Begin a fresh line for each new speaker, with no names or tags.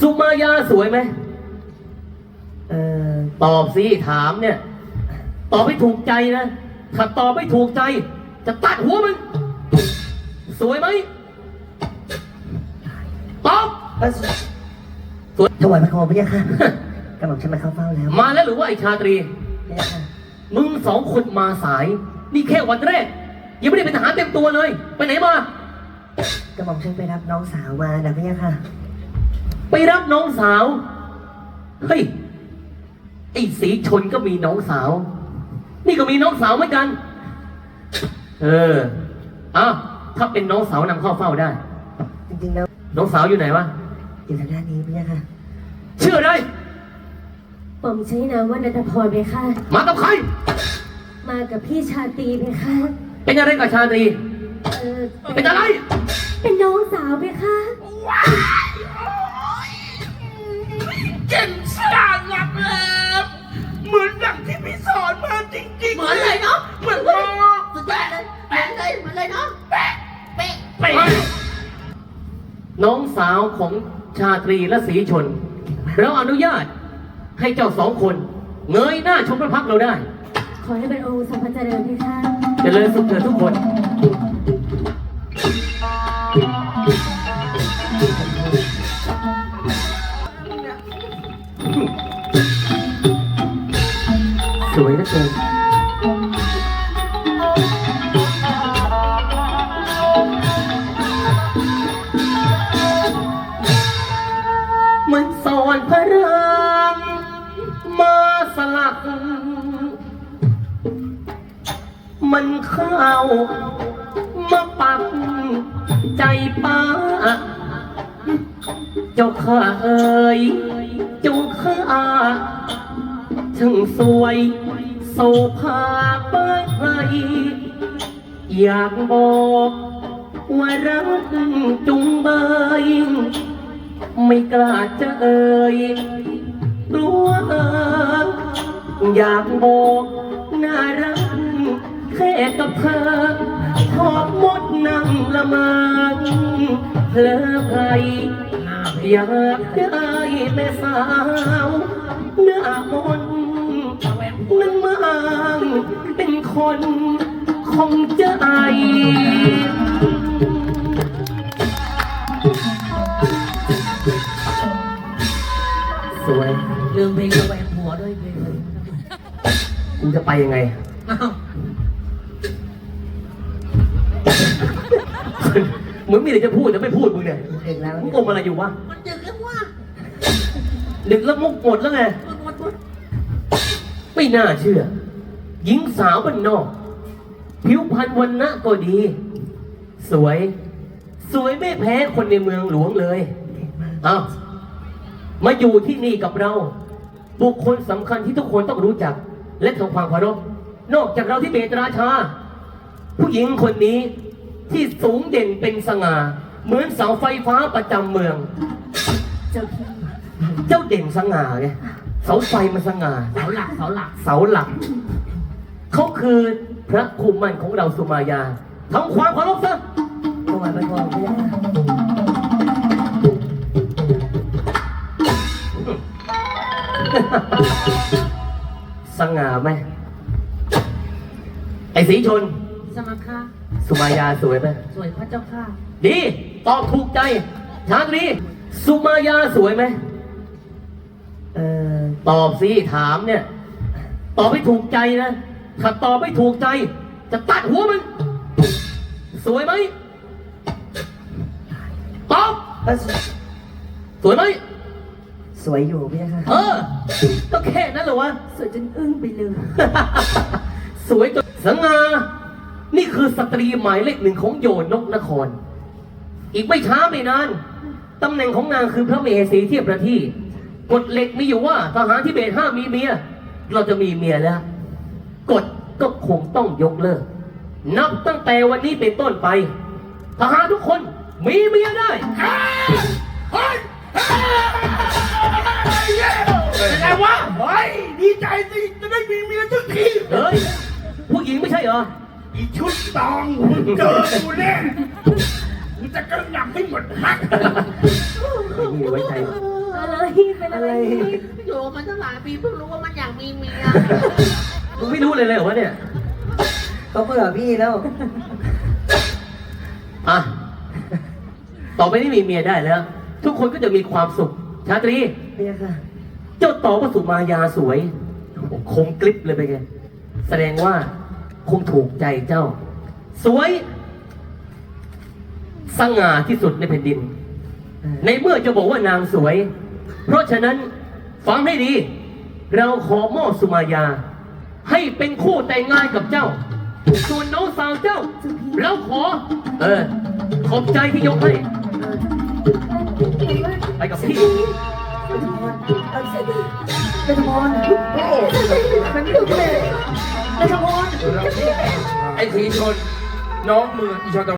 สุมายาสวยไหมตอบสิถามเนี่ยตอบไม่ถูกใจนะถ้าตอบไม่ถูกใจจะตัดหัวมันสวยไหมตอบสวย
ถวายพระโคมพระยาค่ะกำลังฉันมาเข้าเฝ้าแล้ว
มาแล้วหรือว่าไอ้ชาตรี
พระยาค่ะ
มึงสองคนมาสายนี่แค่วันแรกยังไม่ได้เป็นทหารเต็มตัวเลยไปไหนมาก
ระหม่อมฉันไปรับน้องสาวมานะพระยาค่ะ
ไปรับน้องสาวเฮ้ยไอ้สีชนก็มีน้องสาวนี่ก็มีน้องสาวเหมือนกันอ้าวถ้าเป็นน้องสาวนำเข้าเฝ้าได้
จริงๆแล้ว
น้องสาวอยู่ไหนวะ
อยู่ทางด้านนี้พระยาค่ะ
ชื่ออะไร
ผมใช้นามว่านันทพรเพคะ
มากับใคร
มากับพี่ชาตรีเพคะ
เป็นอะไรกับชาตรี เป็นอะไร
เป็นน้องสาวเพคะ
เก่งสร้างหลักแหลมเหมือนอย่างที่พี่สอนมาจริงๆเหมือนเลยเนาะเหมือนมากสุดยอดเลยแปะเลยเหมือนเลยเนาะแปะเป๊ะเป๊ะ
น้องสาวของชาตรีและศรีชนเราอนุญาตให้เจ้าสองคนเงยหน้าชมพระพักตร์เราได้
ขอให้เป็นองค์ทรงพระเจริญเพคะ
เจริญสุขเถิดทุกคนสวยเหลือเกินมันสอนพระรามมาสลักมันเข้ามาปักใจป้าเจ้าข้าเอ๋ยเจ้าข้าช่างสวยโสภาเปิดไพรอยากบอกว่ารักจุงเบยไม่กล้าจะเอ่ยกลัวอยากบอกน่ารักแค่กับเธอหอบมดนั่งละเมอเพลอไพรอยากได้แม่สาวหน้ามนต์นั่งมางเป็นคนคงจะไอสวย
ลืมเพลงระแวงหัวด้วยเพลง
กูจะไปยังไง
อ้าว
มึงมีอะไรจะพูดแต่ไม่พูดมึงเนี่ย
เอกแล้ว
มึงอมอะไรอยู่วะ
มันดึกแล้วว่า
ดึกแล้วมุกหมดแล้วไง
หมด
ไม่น่าเชื่อ หญิงสาวบ้านนอก ผิวพรรณวันนะก็ดี สวย สวยไม่แพ้คนในเมืองหลวงเลยเอามาอยู่ที่นี่กับเรา บุคคลสำคัญที่ทุกคนต้องรู้จัก และทำความเคารพนอกจากเราที่เบตราชา ผู้หญิงคนนี้ที่สูงเด่นเป็นสง่า เหมือนเสาไฟฟ้าประจำเมือง
เจ้าพี่
เจ้าเด่นสง่าไงเสาไฟมันสง่า
เสาหลักเสาหลัก
เสาหลัก เขาคือพระคุมมันของเราสุมายาทำความเคารพซะ
ถวายพระโคมพระยาค่ะ
สง่าไหมไอ้สีชน
สมัครค่ะ
สุมายาสวยไหม
สวยพระเจ้าค่ะ
ดีตอบถูกใจชาตรีสุมายาสวยไหมตอบสิถามเนี่ยตอบไม่ถูกใจนะถ้าตอบไม่ถูกใจจะตัดหัวมันสวยไหมตอบสวยไหม
สวยอยู่พระยาค่ะ
ก็แค่นั้นเหรอวะ
สวยจนอึ้งไปเลย
สวยจนสง่านี่คือสตรีหมายเลขหนึ่งของโยนกนคร อีกไม่ช้าไม่นานตำแหน่งของนางคือพระมเหสีเทียบประทีกฎเหล็กมีอยู่ว่าทหารทิเบตห้ามมีเมีย เราจะมีเมียแล้วกฎก็คงต้องยกเลิกนับตั้งแต่วันนี้เป็นต้นไปทหารทุกคนมีเมียได้
เฮ้ยเป็นไงวะเฮ้ยดีใจสิจะได้มีเมียสักที
เฮ้ยผู้หญิงไม่ใช่เหรอ
อีชุดตองมึงเจอกูแน่กูจะกระหน่ำให้หมดพัก
ไม่มีไว้ใจ
เอะไรเป็นอะไร
อยู่มันตั้งหลายปีเพิ่งรู้ว่ามันอยากมีเมีย
มึงไม่รู้เลยเหรอวะเนี่ย
เขาเบื่อพี่แล้ว
อ่ะ ต่อไปนี้มีเมียได้แล้ว ทุกคนก็จะมีความสุข ชาตรี
พี่ค่ะ
เจ้าต่อพระสุมายาสวยโอ้โหคมกริบเลยไปนไง แสดงว่าคงถูกใจเจ้า สวย สง่าที่สุดในแผ่นดิน ในเมื่อจะบอกว่านางสวย เพราะฉะนั้นฟังให้ดี เราขอมอบสุมายา ให้เป็นคู่แต่งงานกับเจ้า ส่วนน้องสาวเจ้า เราขอ ขอบใจที่ยกให้ ไปกับพี่
เป็นมอนพระเอกเป็นลูกเอกเป็นมอน
ไอ้ทีชน น้องมืออีชอน